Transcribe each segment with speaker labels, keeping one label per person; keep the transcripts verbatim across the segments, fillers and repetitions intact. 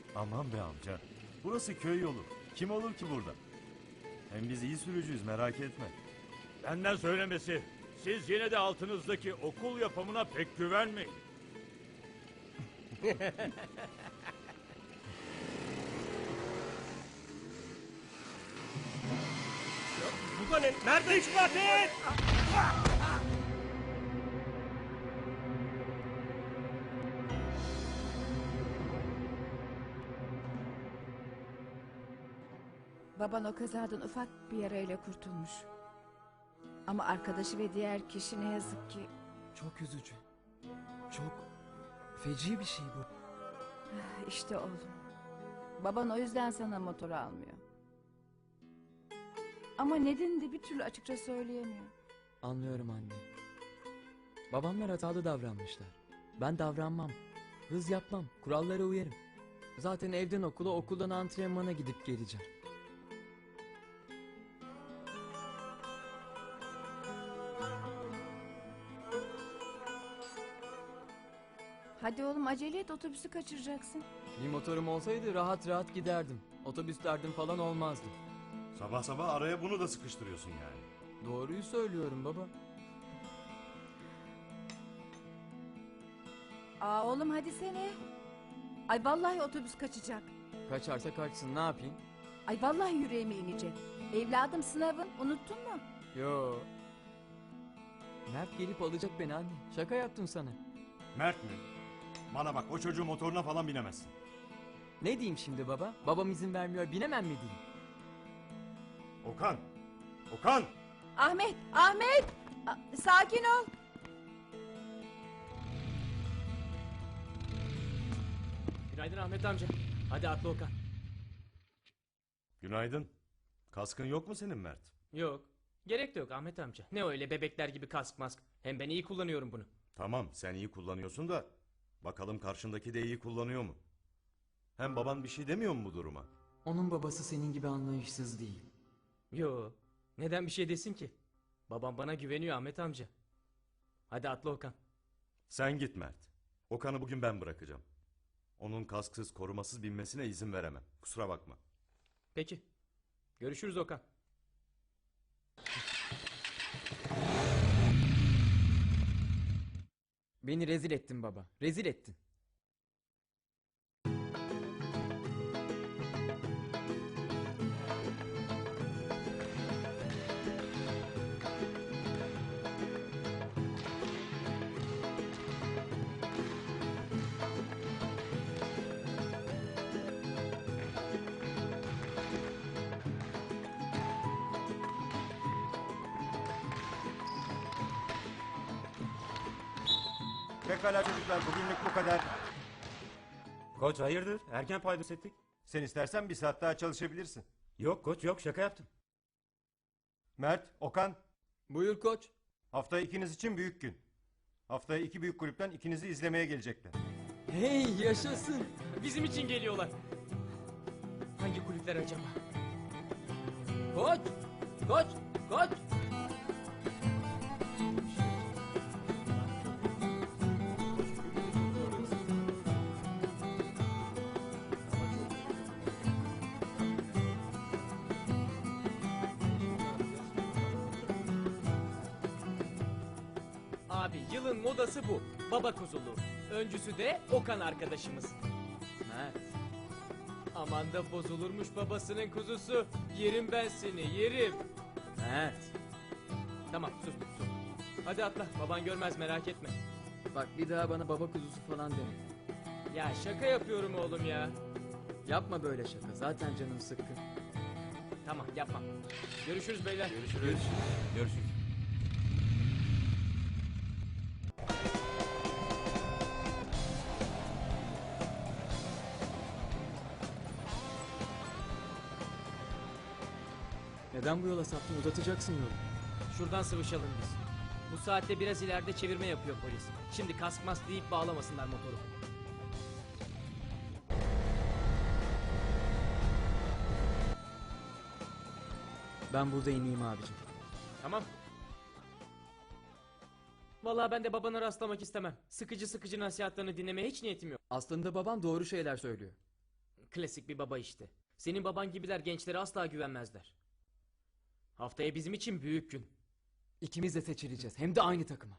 Speaker 1: Aman be amca. Burası köy yolu. Kim olur ki burada? Hem biz iyi sürücüyüz, merak etme.
Speaker 2: Benden söylemesi. Siz yine de altınızdaki okul yapımına pek güvenmeyin.
Speaker 3: Bu da ne? Nerede İsmail?
Speaker 4: Baban o kazadan ufak bir yarayla kurtulmuş. Ama arkadaşı ve diğer kişi ne yazık ki...
Speaker 5: Çok üzücü. Çok feci bir şey bu.
Speaker 4: İşte oğlum. Baban o yüzden sana motor almıyor. Ama nedenini de bir türlü açıkça söyleyemiyor.
Speaker 5: Anlıyorum anne. Babamlar hatalı davranmışlar. Ben davranmam. Hız yapmam. Kurallara uyarım. Zaten evden okula, okuldan antrenmana gidip geleceğim.
Speaker 4: Hadi oğlum acele et, otobüsü kaçıracaksın.
Speaker 5: Bir motorum olsaydı rahat rahat giderdim. Otobüs derdim falan olmazdı.
Speaker 1: Sabah sabah araya bunu da sıkıştırıyorsun yani.
Speaker 5: Doğruyu söylüyorum baba.
Speaker 4: Aa oğlum hadi sene. Ay vallahi otobüs kaçacak.
Speaker 5: Kaçarsa kaçsın, ne yapayım?
Speaker 4: Ay vallahi yüreğime inecek. Evladım sınavın, unuttun mu?
Speaker 5: Yo. Mert gelip alacak beni anne. Şaka yaptım sana.
Speaker 1: Mert mi? Bana bak, o çocuğun motoruna falan binemezsin.
Speaker 5: Ne diyeyim şimdi baba? Babam izin vermiyor, binemem mi diyeyim?
Speaker 1: Okan! Okan!
Speaker 4: Ahmet, Ahmet! A- sakin ol.
Speaker 3: Günaydın Ahmet amca. Hadi atla Okan.
Speaker 1: Günaydın. Kaskın yok mu senin Mert?
Speaker 3: Yok. Gerek de yok Ahmet amca. Ne öyle bebekler gibi kask mask. Hem ben iyi kullanıyorum bunu.
Speaker 1: Tamam, sen iyi kullanıyorsun da bakalım karşındaki de iyi kullanıyor mu? Hem baban bir şey demiyor mu bu duruma?
Speaker 5: Onun babası senin gibi anlayışsız değil.
Speaker 3: Yo. Neden bir şey desin ki? Babam bana güveniyor Ahmet amca. Hadi atla Okan.
Speaker 1: Sen git Mert. Okan'ı bugün ben bırakacağım. Onun kasksız, korumasız binmesine izin veremem. Kusura bakma.
Speaker 3: Peki. Görüşürüz Okan.
Speaker 5: Beni rezil ettin baba. Rezil ettin.
Speaker 6: Pekala çocuklar, bugünlük bu kadar.
Speaker 7: Koç hayırdır? Erken paydos ettik.
Speaker 6: Sen istersen bir saat daha çalışabilirsin.
Speaker 7: Yok koç yok, şaka yaptım.
Speaker 6: Mert, Okan,
Speaker 5: Buyur koç.
Speaker 6: haftaya ikiniz için büyük gün. Haftaya iki büyük kulüpten ikinizi izlemeye gelecekler.
Speaker 5: Hey yaşasın.
Speaker 3: Bizim için geliyorlar. Hangi kulüpler acaba?
Speaker 5: Koç. Koç. Koç.
Speaker 3: Abi yılın modası bu. Baba kuzulu. Öncüsü de Okan arkadaşımız.
Speaker 5: Mert.
Speaker 3: Aman da bozulurmuş babasının kuzusu. Yerim ben seni, yerim.
Speaker 5: Mert.
Speaker 3: Tamam sus sus. Hadi atla, baban görmez merak etme.
Speaker 5: Bak bir daha bana baba kuzusu falan deme.
Speaker 3: Ya şaka yapıyorum oğlum ya.
Speaker 5: Yapma böyle şaka. Zaten canım sıkkın.
Speaker 3: Tamam yapmam. Görüşürüz beyler.
Speaker 7: Görüşürüz. Görüşürüz.
Speaker 5: Neden bu yola saptın? Uzatacaksın yolu.
Speaker 3: Şuradan sıvışalım biz. Bu saatte biraz ileride çevirme yapıyor polis. Şimdi kask mask deyip bağlamasınlar motoru.
Speaker 5: Ben burada ineyim abicim.
Speaker 3: Tamam. Vallahi ben de babana rastlamak istemem. Sıkıcı sıkıcı nasihatlerini dinlemeye hiç niyetim yok.
Speaker 5: Aslında babam doğru şeyler söylüyor.
Speaker 3: Klasik bir baba işte. Senin baban gibiler gençlere asla güvenmezler. Haftaya bizim için büyük gün.
Speaker 5: İkimiz de seçileceğiz. Hem de aynı takıma.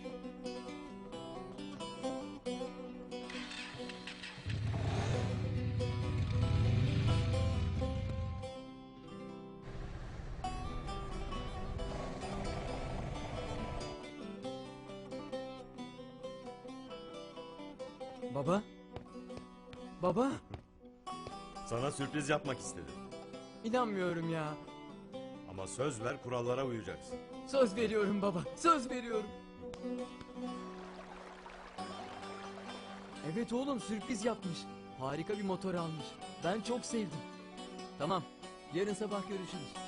Speaker 5: Baba? Baba?
Speaker 1: Sana sürpriz yapmak istedim.
Speaker 5: İnanmıyorum ya.
Speaker 1: Ama söz ver, kurallara uyacaksın.
Speaker 5: Söz veriyorum baba. Söz veriyorum. Evet oğlum, sürpriz yapmış. Harika bir motor almış. Ben çok sevdim. Tamam. Yarın sabah görüşürüz.